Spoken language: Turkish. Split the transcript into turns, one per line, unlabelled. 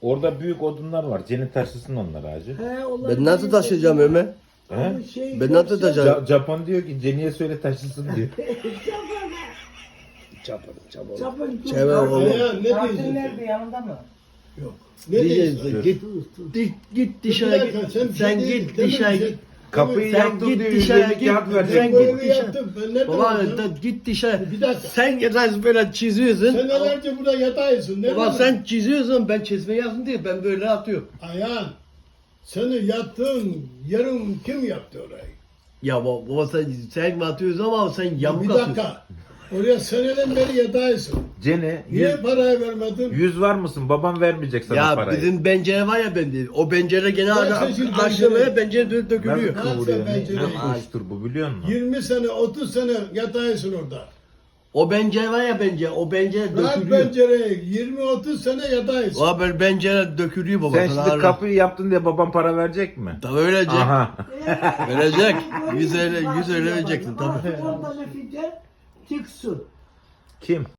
Orada büyük odunlar var. Cennet taşısın onlar hacı.
Ben nasıl taşıyacağım Ömer?
He?
Ben nasıl taşıyacağım?
Japon diyor ki Jenny'e söyle taşısın diyor.
Çapın.
Ya, ne
Tatil
diyeceksin?
nerede, yanında mı?
Yok. Ne diyeceksin?
Git dışarı
Bir dakika,
git. Sen
bir şey
git
değil,
dışarı
demedin.
git.
Kapıyı
Sen
yaptım
git
diyor.
dışarı,
150
git.
kağıt
Ben
verecek.
Sen
böyle
git
yaptım. Ben ne
Baba
yapacağım?
git dışarı.
Bir dakika.
Sen böyle çiziyorsun.
Senelerce burada yataysın. Ne
Baba
demek?
sen çiziyorsun, ben çizme yazdım diye ben böyle atıyorum.
Ayhan, seni yattığın yerin kim yaptı orayı?
Ya baba sen mi atıyorsun ama sen yamuk
Bir
atıyorsun.
dakika. Oraya seneden beri yataysın.
Jenny
Niye
100,
parayı vermedin?
100 var mısın? Babam vermeyecek sana
Ya
parayı.
bizim pencere var ya bende. O pencere gene
çeşit
açılmaya pencere dökülüyor.
Nasıl kıvırıyor? Ne
pencereyi?
kuştur bu biliyor musun?
20 sene, 30 sene yataysın orada.
O pencere var ya pencere. O pencere
Bırak
dökülüyor.
pencereyi. 20-30 sene yataysın.
O böyle pencere dökülüyor baba.
Sen
sana
şimdi
Allah.
kapıyı yaptın diye babam para verecek mi?
Tabii öylece.
Aha.
Verecek. 100 öyle vereceksin tabii.
Montaj edince çıksın.
Kim?